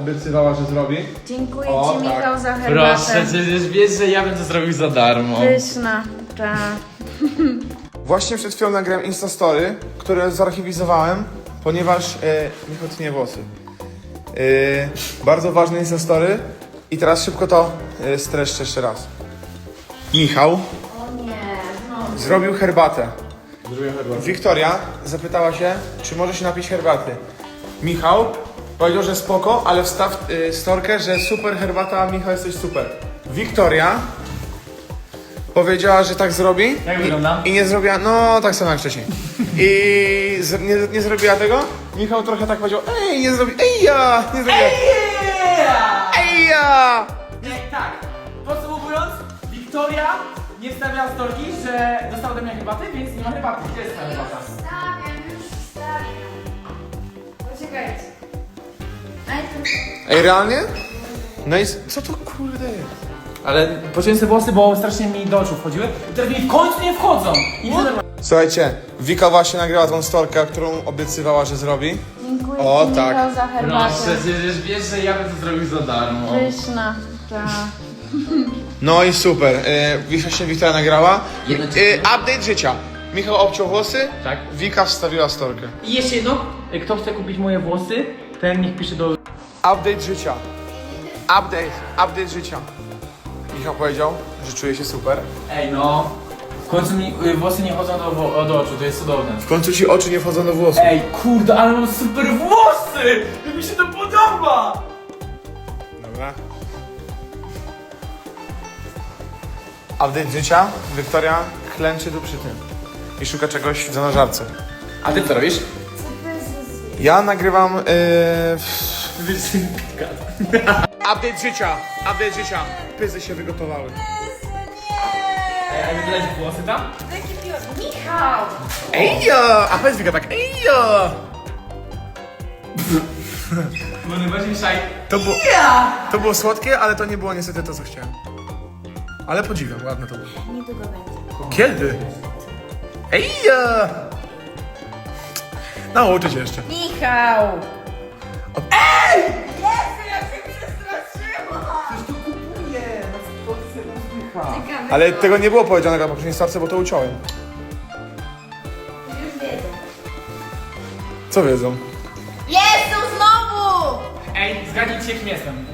obiecywała, że zrobi. Dziękuję O, Ci, tak. Michał, za herbatę. Proszę, przecież wiesz, że ja bym to zrobił za darmo. Pyszna, ta. Właśnie przed chwilą nagrałem Instastory, które zarchiwizowałem, ponieważ Michał tnie włosy. Bardzo ważne Instastory i teraz szybko to streszczę jeszcze raz. Michał O nie, no. zrobił herbatę. Wiktoria zapytała się, czy może się napić herbaty. Michał powiedział, że spoko, ale wstaw storkę, że super herbata, Michał, jesteś super. Wiktoria powiedziała, że tak zrobi. Jak wygląda? I nie zrobiła, no tak samo jak wcześniej. I nie zrobiła tego. Michał trochę tak powiedział, ej, nie zrobi, ej ja, nie zrobiła. Ej ja! Tak, podsumowując, Wiktoria nie wstawiała storki, że dostała ode mnie herbaty, więc nie ma herbaty. Gdzie jest ta herbata? Wstawiam. Poczekajcie. Ej, realnie? No i co to kurde jest? Ale pociąłem sobie włosy, bo strasznie mi do oczu wchodziły i teraz mi w końcu nie wchodzą. I nie Słuchajcie, Wika właśnie nagrała tą storkę, którą obiecywała, że zrobi. Dziękuję O, Ci, tak. Michał, za herbatę. przecież wiesz, że ja bym to zrobił za darmo. Pyszna, ta. No i super. Właśnie Wiktoria nagrała. Jedno Update życia. Michał obciął włosy, Tak. Wika wstawiła storkę. I jeszcze jedno, kto chce kupić moje włosy, ten niech pisze do... Update życia. Update życia. Michał powiedział, że czuje się super. Ej no, w końcu mi włosy nie chodzą do oczu, to jest cudowne. W końcu ci oczy nie wchodzą do włosów. Ej, kurde, ale mam super włosy! Jak mi się to podoba! Dobra. Update życia. Wiktoria klęczy tu przy tym. I szuka czegoś w zanarżarce. A ty co robisz? Ja nagrywam... Update życia. Update życia. Pyzy się wygotowały. Ej, a nie wydać włosy tam? Michał! Ejo! A powiedz Wika tak, ejo! Bo najbardziej szaj... To było słodkie, ale to nie było niestety to, co chciałem. Ale podziwiam, ładne to było. Niedługo będzie. Kiedy? Ejo! Nauczę się jeszcze. Michał! Ale tego nie było powiedzianego na poprzedniej starce, bo to uciąłem. Już wiedzą. Co wiedzą? Jestem znowu! Ej, zgadnijcie kim jestem.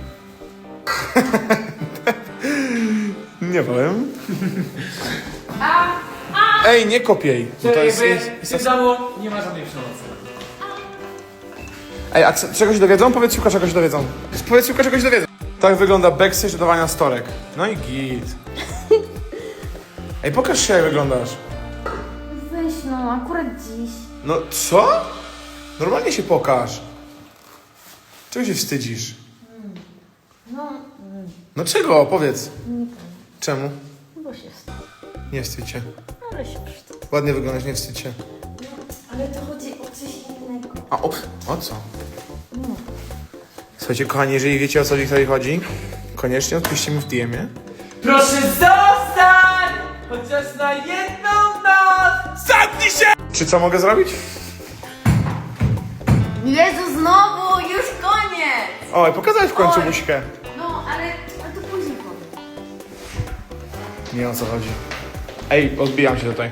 Nie powiem. Ej, nie kopiej. Bo to jest... W tym domu nie ma żadnej przemocy. Ej, a czegoś dowiedzą? Powiedz Juka, czegoś dowiedzą. Powiedz Juka, czegoś dowiedzą. Tak wygląda backstage dodawania storek. No i git. Ej, pokaż się, jak wyglądasz. Weź no, akurat dziś. No co? Normalnie się pokaż. Czego się wstydzisz? No czego? Powiedz. Czemu? Bo się wstydzi. Nie wstydź się. Ale się wstydzi. Ładnie wyglądasz, nie wstydź się. Ale to chodzi o coś innego. A o co? Słuchajcie, kochani, jeżeli wiecie, o co Wiktorii chodzi, koniecznie odpiszcie mi w DM-ie. Proszę zostań! Chociaż na jedną noc! Zamknij się! Czy co mogę zrobić? Jezu, znowu! Już koniec! Oj, pokazałeś w końcu Oj. buźkę. No, ale to później powiem. Nie wiem, o co chodzi. Ej, odbijam się tutaj.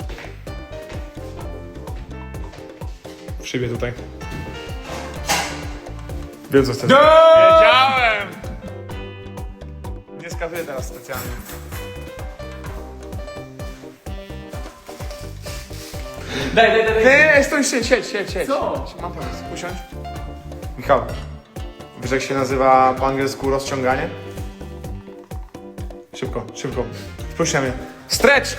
W szybie tutaj. Wiem, co chcesz. Wiedziałem! Nie skazuję teraz specjalnie. Daj. Nie, stój, siedź. Co? Mam pomysł, usiądź. Michał, wiesz jak się nazywa po angielsku rozciąganie? Szybko. Spójrz na mnie. Stretch!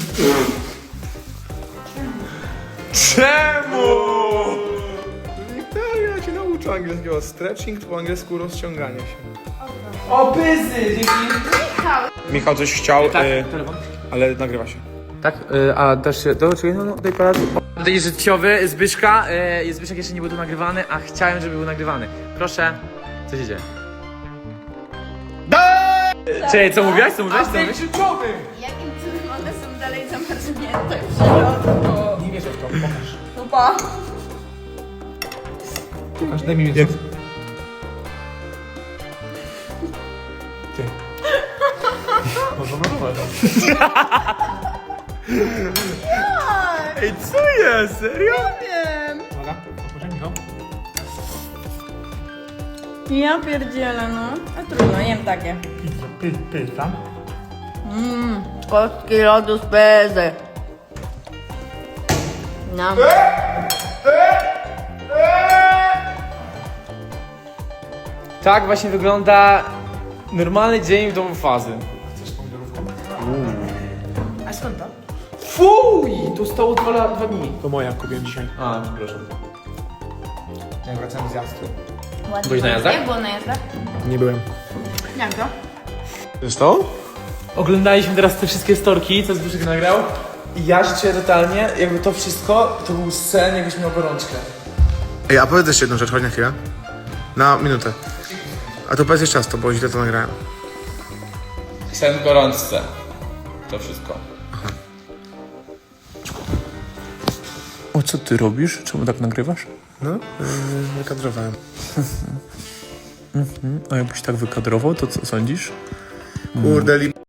Czemu? Wiktoria cię nauczył angielskiego. Stretching po angielsku rozciąganie się. O, pyzy! Dzięki! Michał coś chciał, telefon. ale nagrywa się. Tak, a dasz się, czekaj, no, daj parę. Update życiowy Zbyszka, Zbyszek jeszcze nie był tu nagrywany, a chciałem, żeby był nagrywany. Proszę, co się dzieje? Czekaj, co mówiłaś? Update życiowy! Jakim cudem one są dalej zamarznięte w środku? Nie wierzę w to, pokaż. Chyba. Pokaż, daj mi mieć. Można na Ej, co jest? Serio? Wiem. Uwaga, otworzę, Michał. Ja pierdzielę, no. A trudno, jem takie. Pizza. Kostki lodu z bezy. Nam. Tak właśnie wygląda normalny dzień w domu fazy. Chcesz pomidorówkę? A skąd to? Fuj! Tu stało 2 dni. To moja, kupiłem dzisiaj. A, przepraszam. Jak wracałem z jazdy. Ładnie. Byłeś na jazdach? Jak było na jazdach? Nie byłem. Jak to? Zostało? Oglądaliśmy teraz te wszystkie storki, co Zbyszek nagrał. I ja się czuję totalnie, jakby to wszystko, to był sen, jakbyś miał gorączkę. Ej, a powiedz jeszcze jedną rzecz, chodź na chwilę. Na minutę. A to powiedz jeszcze raz to, bo źle to nagrałem. Sen w gorączce. To wszystko. O, co ty robisz? Czemu tak nagrywasz? No, wykadrowałem. A jakbyś tak wykadrował, to co sądzisz? Kurde,